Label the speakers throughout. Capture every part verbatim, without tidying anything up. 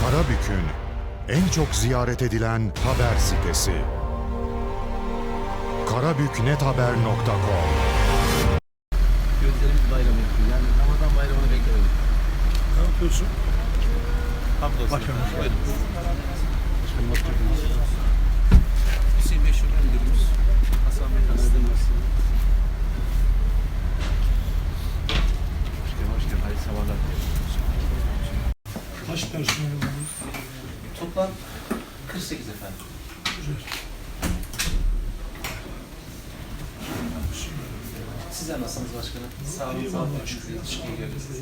Speaker 1: Karabük'ün en çok ziyaret edilen haber sitesi. karabük net haber nokta com.
Speaker 2: Gözlerimiz bayramı yapıyor. Yani Ramazan bayramını beklemedik.
Speaker 3: Ne yapıyorsun?
Speaker 2: Hamdolsun.
Speaker 3: Bakalım.
Speaker 2: Hüseyin Bey Şube Müdürümüz. Hasan Bey tanıdığımız. Hoş geldin, hoş geldin. Hayırlı sabahlar.
Speaker 3: Kaç personel var?
Speaker 2: Toplam kırk sekiz efendim.
Speaker 3: Güzel.
Speaker 2: Sizler nasılsınız başkanım? Sağ olun, sağ olun. Teşekkür ediyoruz size.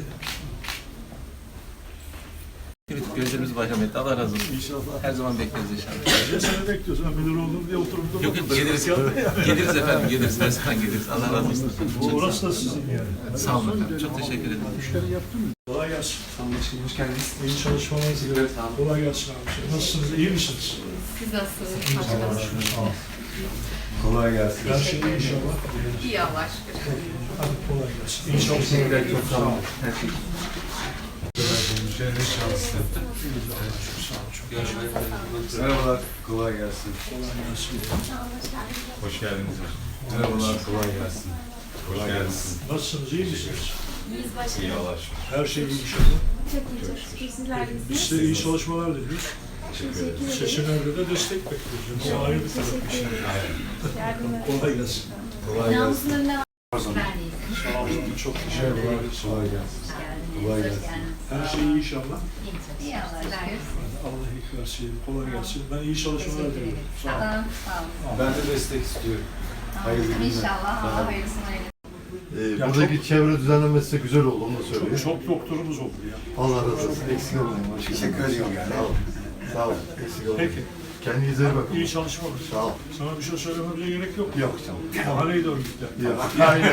Speaker 2: Evet, gözlerimiz bayram etti. Allah razı olsun.
Speaker 3: İnşallah.
Speaker 2: Her zaman bekleriz inşallah.
Speaker 3: Ya seni bekliyorsun. Ben müdür oldum diye oturup da
Speaker 2: Yok yok, geliriz. Geliriz efendim, geliriz. Her zaman geliriz. Allah razı olsun.
Speaker 3: Bu orası da sizin yani.
Speaker 2: Sağ olun efendim. Çok teşekkür ederim.
Speaker 3: Müşteri yaptın mı? Kolay gelsin.
Speaker 4: Anlaşıldı. Hoş geldiniz.
Speaker 3: İyi çalışmalarınız diliyorum.
Speaker 4: Sağ olun.
Speaker 3: Kolay gelsin abi. Nasılsınız? İyi misiniz?
Speaker 5: Siz nasılsınız? Başkanım.
Speaker 3: Sağ ol.
Speaker 4: Kolay gelsin.
Speaker 3: Her şey iyi inşallah.
Speaker 5: İyi Allah'a şükür.
Speaker 3: Hadi kolay gelsin. İyi çalışmalar.
Speaker 4: Teşekkürler. Çok sağ olun. Her şey.
Speaker 3: Müşterinin şanslı. Sağ ol. Çok teşekkür ederim.
Speaker 4: Merhabalar. Kolay gelsin.
Speaker 3: Kolay gelsin.
Speaker 6: Hoş geldiniz.
Speaker 4: Merhabalar. Kolay gelsin.
Speaker 6: Kolay gelsin.
Speaker 3: Nasılsınız? İyi misiniz?
Speaker 7: İyiyiz başkanım.
Speaker 6: İyi Allah'a şükür.
Speaker 3: Her şey iyi inşallah.
Speaker 7: Çok iyi, çok şükür. Sizler de
Speaker 3: Biz
Speaker 7: iyisiniz.
Speaker 3: de iyi çalışmalar diliyoruz.
Speaker 6: Teşekkür ederim.
Speaker 3: Seçimlerde de destek bekliyoruz. Bu ayrı bir taraf bir şey.
Speaker 7: Yardımlar.
Speaker 3: Kolay gelsin.
Speaker 4: Kolay
Speaker 7: Namusun
Speaker 4: gelsin.
Speaker 7: önüne
Speaker 5: Ben iyiyim.
Speaker 3: Sağ olun. Çok teşekkür
Speaker 4: Merhabalar.
Speaker 3: ederiz.
Speaker 4: Kolay gelsin. Kolay gelsin.
Speaker 3: Her şey iyi inşallah.
Speaker 5: İyi Allah'a şükür.
Speaker 3: Allah iyilik versin. Kolay gelsin. Ben iyi çalışmalar diliyorum. Sağ olun.
Speaker 5: Sağ olun. Sağ olun.
Speaker 4: Ben de destek istiyorum. Hayırlı günler.
Speaker 5: İnşallah
Speaker 4: Sağ
Speaker 5: Allah
Speaker 4: olun.
Speaker 5: hayırlısını eylesin.
Speaker 8: Ee,
Speaker 3: Ya
Speaker 8: buradaki çevre düzenlemesi de güzel oldu, onu da söyleyeyim.
Speaker 3: Çok, çok doktorumuz oldu ya.
Speaker 8: Allah razı olsun. Eksik olmayın. Başkanım.
Speaker 4: Teşekkür ediyorum yani.
Speaker 8: Sağ olun. Sağ olun. Eksik olmayın.
Speaker 3: Peki.
Speaker 8: Kendinize iyi bakın.
Speaker 3: İyi çalışmalar.
Speaker 8: Sağ ol.
Speaker 3: Sana bir şey söylememize gerek yok.
Speaker 8: Yok canım.
Speaker 3: Mahalleyi de örgütler.
Speaker 8: Yok. Aynen.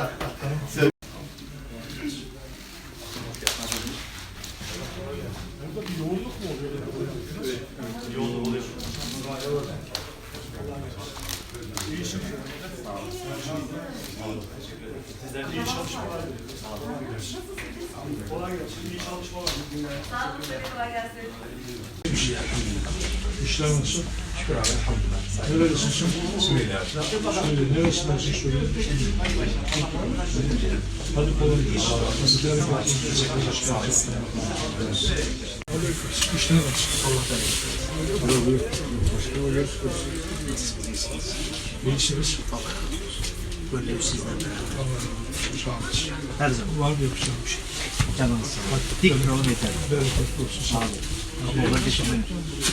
Speaker 3: Burada bir yoğunluk mu oluyor? Evet. Yoğunluk oluyor. İyisiniz. Sağ olun. Sizler iyi çalışmalar. Sağ olun. Kolay gelsin. İyi çalışmalar.
Speaker 5: Sağ olun. Kolay gelsin.
Speaker 3: İşler nasıl? Şükür abi. Elhamdülillah. Nerelisin sen? Suriye'den. Suriye. Neresindensin Suriye? Hadi kolay gelsin. Sizlere gelsin. Aleyküm. İşler nasıl? Allah'tan. Merhaba. Başkanım görüşürüz. İyisiniz.
Speaker 9: Böyle bir sizden
Speaker 3: Allah'ım. Sağ olasın.
Speaker 9: her zaman.
Speaker 3: Var mı yapacağım bir şey?
Speaker 9: Canınız sağ olun. Dik duralım yeter.
Speaker 3: Bereketli olsun. Sağ olun.
Speaker 9: Ama ona düşünmeyin.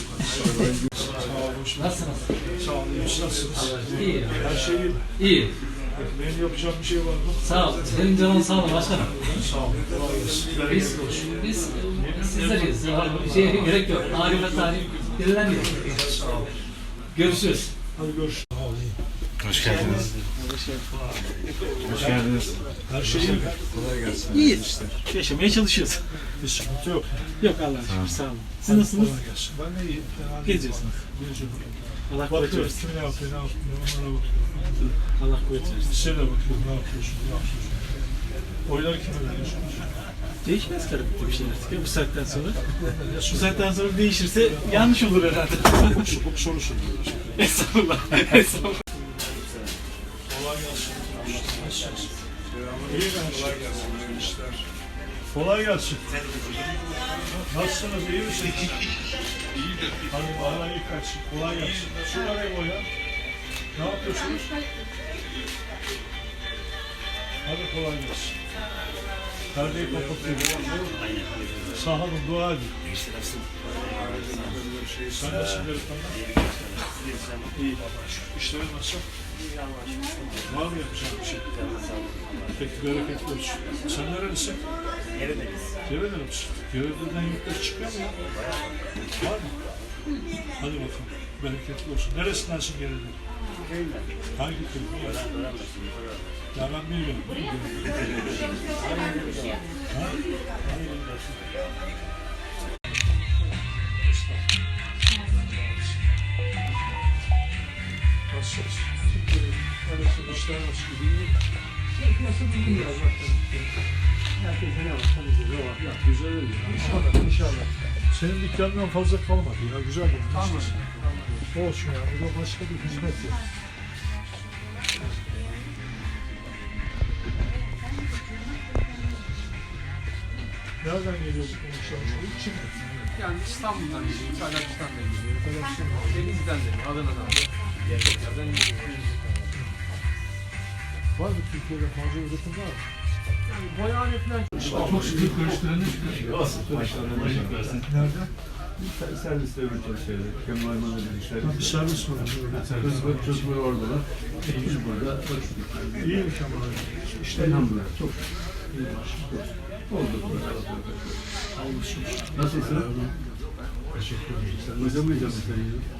Speaker 3: Nasılsınız? Sağ olun. İyi. Nasılsınız?
Speaker 9: İyi.
Speaker 3: Her şey iyi mi?
Speaker 9: İyi.
Speaker 3: Benim yapacağım bir şey var mı?
Speaker 9: Sağ ol. Senin canın sağ ol başkanım.
Speaker 3: Sağ olun. Kolay gelsin.
Speaker 9: Biz,
Speaker 3: Bereketli olsun.
Speaker 9: biz sizleriz. Bir şeye gerek yok. Tarife tarih dinleniyor.
Speaker 3: Sağ olun.
Speaker 9: Görüşürüz.
Speaker 3: Hadi görüşürüz. Sağ olun.
Speaker 6: Hoş geldiniz. Hoş geldiniz.
Speaker 3: Her şey iyi mi?
Speaker 4: Kolay gelsin.
Speaker 9: İyi. Yaşamaya çalışıyoruz.
Speaker 3: Bir sıkıntı yok.
Speaker 9: Yok Allah'a şükür sağ olun. Siz nasılsınız?
Speaker 3: Kolay gelsin. Ben de iyiyim. Fena değil.
Speaker 9: Geziyorsunuz.
Speaker 3: Geziyorum.
Speaker 9: Allah kuvvet
Speaker 3: Bakıyoruz.
Speaker 9: versin.
Speaker 3: Kim ne yapıyor, ne yapıyor, onlara bakıyorum.
Speaker 9: Allah kuvvet versin.
Speaker 3: Size de bakıyorum. Ne yapıyorsun, ne yapıyorsun? Oyları kime veriyorsunuz?
Speaker 9: Değişmez karabükte bir şey artık ya bu saatten sonra. Bu saatten sonra değişirse yanlış olur herhalde.
Speaker 3: Çok soru soruyoruz.
Speaker 9: Estağfurullah. Estağfurullah.
Speaker 3: Kolay gelsin. Nasılsınız? İyi ben. Kolay gelsin. İşler. Kolay gelsin. Nasılsınız? İyi misiniz? İyidir. Hadi bana iyi kaçsın. Kolay gelsin. Şuraya o ya. Ne yapıyorsunuz? Hadi kolay gelsin. Perdeyi kapatıyorum. Sağ olun, dua edin. Sen nasılsın delikanlı? İyi Allah'a şükür. İşlerin nasıl? Var mı yapacağım bir şey? Peki bereketli olsun. Sen nerelisin? Gevedeniz. Gevedeniz misin? Gevedenizden yurtları çıkıyor mu ya? Var mı? Hadi bakalım. Bereketli olsun. Neresindensin Gevedeniz? Köyünden. Hangi köy? Ya ben bilmiyorum. Ha? Nasılsınız? Nasıl işler nasıl gidiyor? Herkese ne var? Güzel oluyor. İnşallah. İnşallah. Senin dükkanından fazla kalmadı ya. Güzel olmuş. Olsun ya. Bu da başka bir hizmet ya. Nereden geliyor bu konuşmalar? Çin.
Speaker 2: Yani İstanbul'dan geliyor, Kazakistan'dan geliyor, Denizli'den geliyor, Adana'dan geliyor.
Speaker 3: Var mı Türkiye'de fazla üretim var mı?
Speaker 2: Yani boyahane falan
Speaker 3: Çok sıkı karıştıranı Nerede?
Speaker 4: Serviste üretiyoruz şeyleri. Kemal Ayman'la birlikte.
Speaker 3: Bir servis var.
Speaker 4: Kızma, kızma oradalar. Biz burada ölçtük.
Speaker 3: İyi mi Kemal?
Speaker 4: İşte elhamdülillah. Çok iyi. Oldu. Nasılsın?
Speaker 3: Teşekkür ederim.
Speaker 4: Sen uyuyamayacak mısın?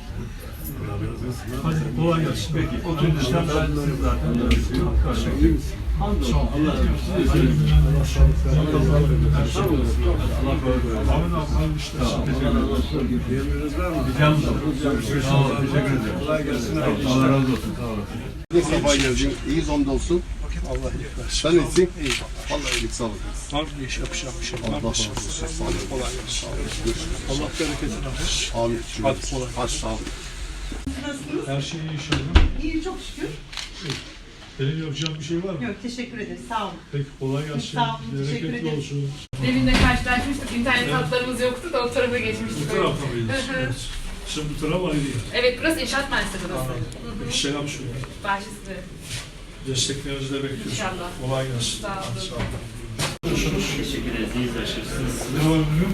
Speaker 3: Hadi kolay gelsin.
Speaker 4: Peki. Oturun işlem ben zaten. İyi misin? Hamdolsun. Allah razı olsun.
Speaker 3: Allah sağlık versin.
Speaker 4: Sağ olasın. Allah korusun.
Speaker 3: Ahmet abi hayırlı işler.
Speaker 4: Allah razı olsun. Diyemiyoruz var mı? Diyeceğim de. Sağ olun. Teşekkür ederim. Kolay gelsin. Allah razı olsun. Sağ olasın.
Speaker 10: Sabah geldin. İyiyiz hamdolsun.
Speaker 3: Allah iyilik versin.
Speaker 10: Sen iyisin? İyi. Vallahi iyilik sağlık.
Speaker 3: Var mı iş yapacağım bir şey?
Speaker 10: Allah
Speaker 3: Var
Speaker 10: razı
Speaker 3: mı?
Speaker 10: olsun. Sağ olun.
Speaker 3: Kolay gelsin.
Speaker 10: Görüşürüz.
Speaker 3: Allah bereketini versin.
Speaker 10: Amin.
Speaker 3: Hadi kolay.
Speaker 10: Hadi sağ ol.
Speaker 3: Her şey iyi inşallah.
Speaker 11: İyi, çok şükür.
Speaker 3: Benim yapacağım bir şey var mı?
Speaker 11: Yok, teşekkür ederiz. Sağ olun.
Speaker 3: Peki kolay gelsin.
Speaker 11: Sağ olun, teşekkür
Speaker 3: Bereketli
Speaker 11: ederim.
Speaker 3: olsun.
Speaker 7: Demin de karşılaşmıştık. İnternet hatlarımız yoktu da o tarafa geçmiştik.
Speaker 3: Bu tarafta mıyız?
Speaker 7: Hı hı.
Speaker 3: Evet. Sen bu tarafa ayrı yer.
Speaker 7: Evet, burası inşaat mühendisliği burası.
Speaker 3: Anladım. Peki selam söyle.
Speaker 7: Bahçesi.
Speaker 3: Desteklerinizi de bekliyoruz.
Speaker 7: İnşallah.
Speaker 3: Kolay gelsin.
Speaker 7: Sağ olun.
Speaker 3: Hadi sağ olun. Nasılsınız?
Speaker 9: Teşekkür ederiz. İyiyiz başarısınız.
Speaker 3: Ne var bugün?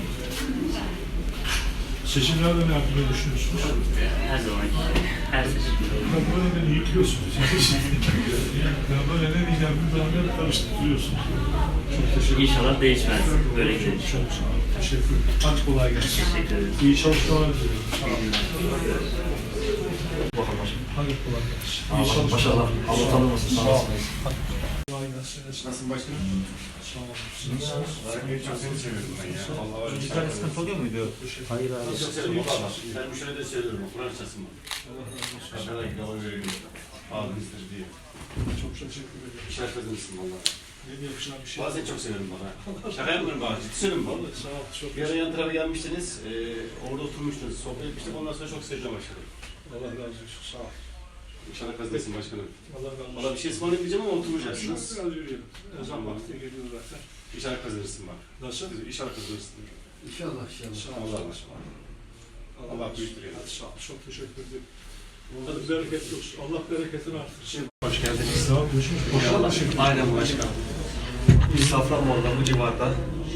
Speaker 3: Seçimlerden ne yapmayı düşünüyorsunuz?
Speaker 9: Her zaman her seçim.
Speaker 3: Ben böyle beni yıkıyorsunuz. Ben böyle ne diyeceğim bir tane karıştırıyorsunuz. Çok teşekkür ederim.
Speaker 9: İnşallah değişmez. Böyle gidelim.
Speaker 3: Çok sağ olun. Teşekkür ederim. Hadi kolay gelsin.
Speaker 9: Teşekkür ederiz.
Speaker 3: İyi çalışmalar diliyorum. Sağ olun. Hadi kolay gelsin. İyi çalışmalar.
Speaker 9: Maşallah. Allah tanımasın. Sağ olun.
Speaker 3: Kolay gelsin.
Speaker 10: Nasılsın başkanım?
Speaker 3: Sağ olun. Siz nasılsınız?
Speaker 10: Çok seni seviyorum ben ya. Allah var.
Speaker 9: Bir tane sıkıntı oluyor muydu? Hayır abi.
Speaker 10: Çok seviyorum valla. Ben bu şöyle de söylüyorum. Kur'an çasım var. Aşağıda gidama veriyorum. Abimizdir diye.
Speaker 3: Çok teşekkür ederim.
Speaker 10: İşler kazanırsın valla.
Speaker 3: Ne diye yapacağım bir şey.
Speaker 10: Bazen çok severim bana. Şaka yapmıyorum bazen. Ciddi söylüyorum valla.
Speaker 3: Sağ ol. Çok
Speaker 10: Bir ara yan tarafa gelmiştiniz. E, orada oturmuştunuz. Sohbet etmiştik. Ondan sonra çok seveceğim başkanım.
Speaker 3: Allah razı olsun. Sağ ol.
Speaker 10: İnşallah kazanırsın başkanım.
Speaker 3: Allah razı olsun.
Speaker 10: Valla bir şey ısmarlayamayacağım ama oturacaksınız.
Speaker 3: Biraz yürüyelim. Ezan vakti geliyor zaten.
Speaker 10: İnşallah kazanırsın bak.
Speaker 3: Nasıl?
Speaker 10: İnşallah kazanırsın.
Speaker 8: İnşallah inşallah.
Speaker 3: Sağ ol.
Speaker 10: Allah Allah. Allah büyüktür ya.
Speaker 3: Hadi sağ ol. Çok teşekkür ederim. Hadi bereketli olsun. Allah bereketini artırsın.
Speaker 10: Hoş geldiniz.
Speaker 3: Sağ ol. Görüşürüz.
Speaker 10: Aynen başkan. Safranbolu'da bu civarda.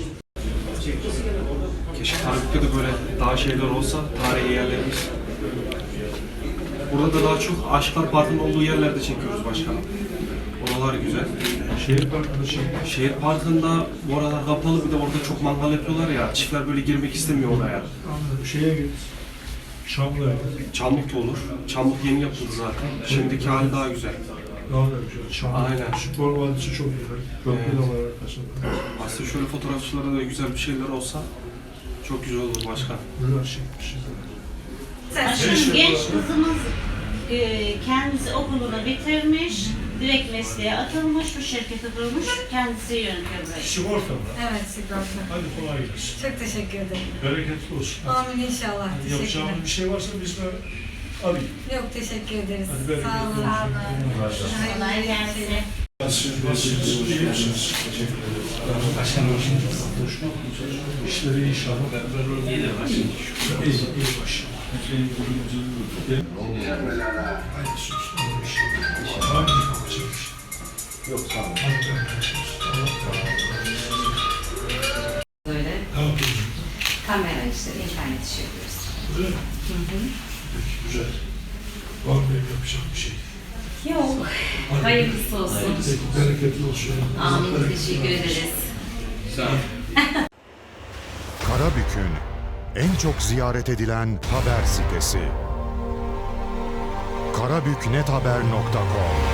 Speaker 10: Keşke Karabük'te de böyle daha şeyler olsa, tarihi yerlerimiz. Burada da daha çok Aşklar Parkı'nın olduğu yerlerde çekiyoruz başkanım. Oralar güzel.
Speaker 3: Şehir parkında şey.
Speaker 10: Şehir Parkı'nda bu aralar kapalı, bir de orada çok mangal yapıyorlar ya, çiftler böyle girmek istemiyor oraya.
Speaker 3: Anladım. Şeye git. Çamlı'ya git.
Speaker 10: Çamlık da olur. Çamlık yeni yapıldı zaten. Şimdiki hali daha güzel.
Speaker 3: Daha da güzel. Çamlı.
Speaker 10: Aynen.
Speaker 3: Spor vadisi çok güzel. Köprü de var arkasında.
Speaker 10: Aslında şöyle fotoğrafçılara da güzel bir şeyler olsa çok güzel olur başkan.
Speaker 3: Güzel çekmişiz.
Speaker 11: Başkanım, genç kızımız e, kendisi okulunu bitirmiş, direkt mesleğe atılmış, bu şirketi kurmuş, kendisi yönetiyor burayı.
Speaker 3: Sigorta mı?
Speaker 5: Evet, sigorta.
Speaker 3: Hadi kolay gelsin.
Speaker 5: Çok teşekkür ederim.
Speaker 3: Bereketli olsun.
Speaker 5: Amin inşallah.
Speaker 3: Hadi
Speaker 5: Teşekkürler.
Speaker 3: yapacağımız bir şey varsa biz de alayım.
Speaker 5: Yok, teşekkür ederiz.
Speaker 3: Hadi bereketli
Speaker 5: Sağ olun.
Speaker 3: olsun.
Speaker 5: Sağ olun.
Speaker 11: Kolay gelsin.
Speaker 3: Siz nasılsınız? İyi misiniz? Teşekkür ederim. Başkanım. İşleri inşallah.
Speaker 9: İyi de başlayalım.
Speaker 3: İyi, iyi başkanım. Haydi sus. Hangi yapacak bir şey?
Speaker 8: Yok sağ olun.
Speaker 3: Hadi bereketli olsun. Allah razı olsun.
Speaker 5: Böyle
Speaker 3: Ne yapıyorsun?
Speaker 5: kamera işleri, internet işi yapıyoruz.
Speaker 3: Öyle mi? Peki, güzel. Var mı benim yapacağım bir şey?
Speaker 5: Yok.
Speaker 3: Hadi.
Speaker 5: Hayırlısı olsun.
Speaker 3: Peki, bereketli olsun.
Speaker 5: Amin. Teşekkür ederiz.
Speaker 1: Karabük'ün en çok ziyaret edilen haber sitesi. karabüknethaber nokta com